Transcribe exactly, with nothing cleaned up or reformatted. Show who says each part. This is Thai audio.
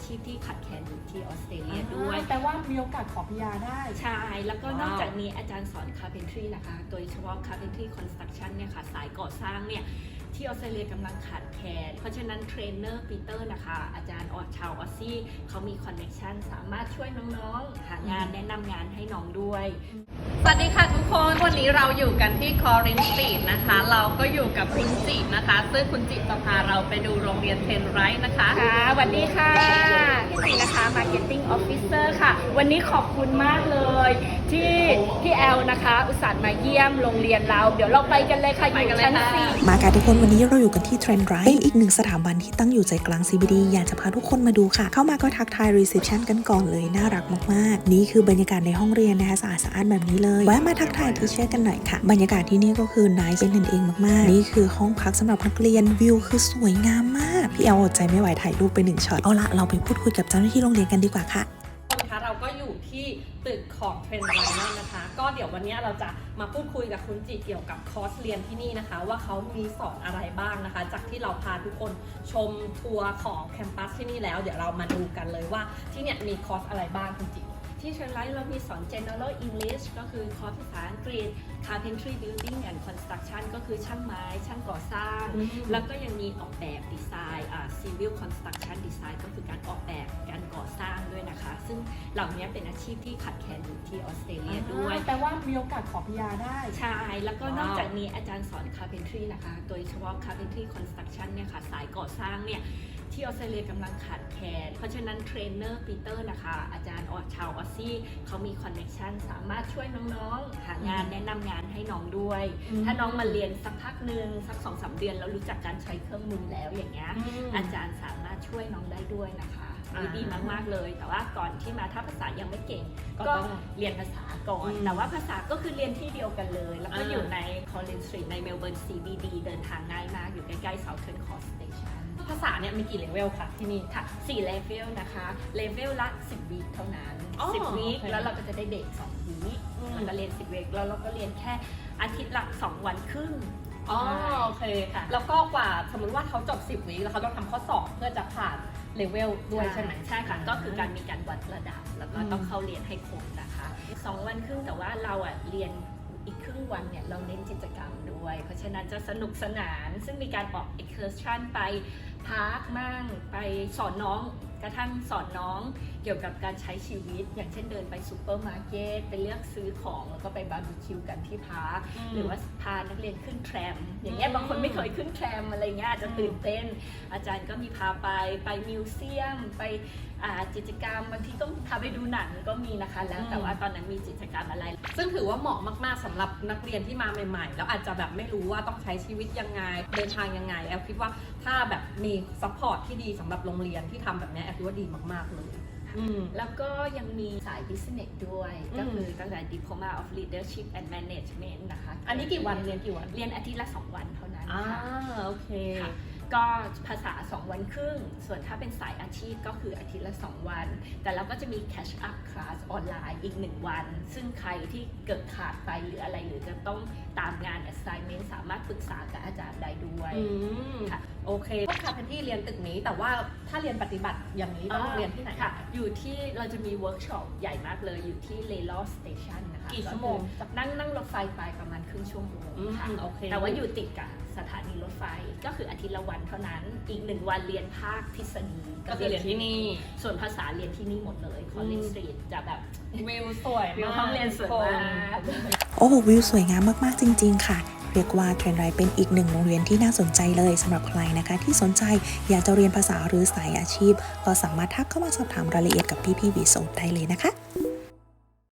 Speaker 1: ชีพที่ขัดแคลนอยู่ที่ออสเตรเลียด้วย
Speaker 2: แต่ว่ามีโอกาสขอพีอาร์ได้
Speaker 1: ใช่แล้วก็นอกจากนี้อาจารย์สอน carpentry นะคะโดยเฉพาะ carpentry construction เนี่ยค่ะสายก่อสร้างเนี่ยที่ออสเตรเลียกำลังขาดแคลนเพราะฉะนั้นเทรนเนอร์ปีเตอร์นะคะอาจารย์ออชาวออสซี่เขามีคอนเนคชันสามารถช่วยน้องๆหางานแนะนำงานให้น้องด้วย
Speaker 3: สวัสดีค่ะทุกคนวันนี้เราอยู่กันที่คอรินสตรีทนะคะเราก็อยู่กับคุณจินะคะซึ่งคุณจิจะพาเราไปดูโรงเรียนเทนไรท์นะคะ
Speaker 2: ค่ะสวัสดีค่ะพี่จินะคะ Marketing Officer ค่ะวันนี้ขอบคุณมากเลยที่พี่แอลนะคะอุตส่าห์มาเยี่ยมโรงเรียนเราเดี๋ยวเราไปกันเลยค่ะอยู่ชั้นสี่
Speaker 4: มาค่ะทุกคนวันนี้เราอยู่กันที่เทรนไรท์เป็นอีกหนึ่งสถาบันที่ตั้งอยู่ใจกลาง ซี บี ดี อยากจะพาทุกคนมาดูค่ะเข้ามาก็ทักทายรีเซพชันกันก่อนเลยน่ารักมากๆนี่คือบรรยากาศในห้องเรียนนะคะสะอาดสะอาดแบบนี้เลยแวะมาทักทายทีเชอร์กันหน่อยค่ะบรรยากาศที่นี่ก็คือน่าเป็นกันเองมากๆนี่คือห้องพักสำหรับนักเรียนวิวคือสวยงามมากพี่แอลอดใจไม่ไหวถ่ายรูปไปหนึ่งช็อตเอาละเราไปพูดคุยกับเจ้าหน้าที่โรงเรียนกันดีกว่าค่ะ
Speaker 3: นะคะเราก็อยู่ที่ตึกของเทรนไรท์นะคะก็เดี๋ยววันนี้เราจะมาพูดคุยกับคุณจิเกี่ยวกับคอร์สเรียนที่นี่นะคะว่าเขามีสอนอะไรบ้างนะคะจากที่เราพาทุกคนชมทัวร์ของแคมปัสที่นี่แล้วเดี๋ยวเรามาดูกันเลยว่าที่เนี่ยมีคอร์สอะไรบ้างคุณจิ
Speaker 1: ที่เทรนไรท์เรามีสอน general English ก็คือคอร์สภาษาอังกฤษ carpentry building and construction ก็คือช่างไม้ช่างก่อสร้างแล้วก็ยังมีออกแบบดีไซน์อ่า civil construction design ก็คือการออกแบบการก่อสร้างด้วยนะคะซึ่งเหล่านี้เป็นอาชีพที่ขัดแคลนอยู่ที่ออสเตรเลียด้วย
Speaker 2: แต่ว่ามีโอกาสขอพีอาร์ได้
Speaker 1: ใช่แล้วก็นอกจากนี้อาจารย์สอน carpentry นะคะโดยเฉพาะ carpentry construction เนี่ยค่ะสายก่อสร้างเนี่ยที่ออสเตรเลียกำลังขาดแคลนเพราะฉะนั้นเทรนเนอร์ปีเตอร์นะคะอาจารย์ออชาวออสซี่เขามีคอนเนคชันสามารถช่วยน้องๆหางานแนะนำงานให้น้องด้วยถ้าน้องมาเรียนสักพักหนึ่งสัก สองถึงสาม เดือนแล้วรู้จักการใช้เครื่องมือแล้วอย่างเงี้ยอาจารย์สามารถช่วยน้องได้ด้วยนะคะดีมากๆเลยแต่ว่าก่อนที่มาถ้าภาษายังไม่เก่งก็เรียนภาษาก่อนแต่ว่าภาษาก็คือเรียนที่เดียวกันเลยแล้วก็อยู่ในคอลลินสตรีทในเมลเบิร์น ซี บี ดี เดินทางง่ายมากอยู่ใกล้ๆ Southern Cross Station
Speaker 3: ภาษาเนี่ยมีกี่เลเวลคะที่นี่
Speaker 1: ค่ะสี่เลเวลนะคะเลเวลละสิบวีคเท่านั้นสิบวีคแล้วเราก็จะได้เด็กสองวีคแล้วก็เรียนสิบวีคแล้วเราก็เรียนแค่อาทิตย์ละสองวันครึ่ง
Speaker 3: อ๋อโอเคค่ะแล้วก็กว่าสมมติว่าเขาจบสิบวีคแล้วเขาต้องทำข้อสอบเพื่อจะผ่านเลเวลด้วยใช่ไหม
Speaker 1: ใช่ค่ะก็คือการมีการวัดระดับแล้วก็ต้องเข้าเรียนให้ครบนะคะสองวันครึ่งแต่ว่าเราอ่ะเรียนอีกครึ่งวันเนี่ยเราเน้นกิจกรรมด้วยเพราะฉะนั้นจะสนุกสนานซึ่งมีการออก excursion ไปพาร์คมั่งไปสอนน้องกระทั่งสอนน้องเกี่ยวกับการใช้ชีวิตอย่างเช่นเดินไปซูเปอร์มาร์เก็ตไปเลือกซื้อของแล้วก็ไปบาร์บีคิวกันที่พาร์คหรือว่าพานักเรียนขึ้นแทรมอย่างเงี้ยบางคนไม่เคยขึ้นแทรมอะไรเงี้ยอาจจะตื่นเต้นอาจารย์ก็มีพาไปไปมิวเซียมไปกิจกรรมบางทีต้องพาไปดูหนังก็มีนะคะแล้วแต่ว่าตอนนั้นมีกิจกรรมอะไร
Speaker 3: ซึ่งถือว่าเหมาะมากๆสำหรับนักเรียนที่มาใหม่ๆแล้วอาจจะแบบไม่รู้ว่าต้องใช้ชีวิตยังไงเดินทางยังไงแอลคิดว่าถ้าแบบมีซัพพอร์ตที่ดีสำหรับโรงเรียนที่ทำแบบนี้แอลคิดว่าดีมากๆเลย
Speaker 1: แล้วก็ยังมีสาย business ด้วยก็คือตั้งแต่ diploma of leadership and management นะคะ
Speaker 3: อันนี้กี่วันเรียนกี่วัน
Speaker 1: เรียนอาทิตย์ละสองวันเท่านั้น
Speaker 3: อ่าโอเค
Speaker 1: ก็ภาษาสองวันครึ่งส่วนถ้าเป็นสายอาชีพก็คืออาทิตย์ละสองวันแต่เราก็จะมี catch up class ออนไลน์อีกหนึ่งวันซึ่งใครที่เกิดขาดไปหรืออะไรหรือจะต้องตามงาน assignment สามารถปรึกษากับอาจารย์ได้ด้วย
Speaker 3: ค่ะโอเคพวกคาเป็นที่เรียนตึกนี้แต่ว่าถ้าเรียนปฏิบัติอย่างนี้ต้องเรียนที่ไหน
Speaker 1: ค่ะอยู่ที่เราจะมีเวิร์กช็อปใหญ่มากเลยอยู่ที่ Lalor Station นะคะ
Speaker 3: กี่ชั่วโมง
Speaker 1: นั่งนั่งรถไฟไปประมาณครึ่งชั่วโมงค่ะแต่ว่าอยู่ติดกับสถานีรถไฟก็คืออาทิตย์ละวันเท่านั้นอีกหนึ่งวันเรียนภาคทฤษฎี
Speaker 3: ก็คือเรียนที่นี่
Speaker 1: ส่วนภาษาเรียนที่นี่หมดเลยคอลลินสตรีทจะแบบ
Speaker 3: วิวสวย
Speaker 1: มากห้องเรียนสวยมาก
Speaker 4: โอ้โหวิวสวยงามมากๆจริงๆค่ะเรียกว่าเทรนไรท์เป็นอีกหนึ่งโรงเรียนที่น่าสนใจเลยสำหรับใครนะคะที่สนใจอยากจะเรียนภาษาหรือสายอาชีพก็สามารถทักเข้ามาสอบถามรายละเอียดกับพี่ๆวีโซได้เลยนะคะ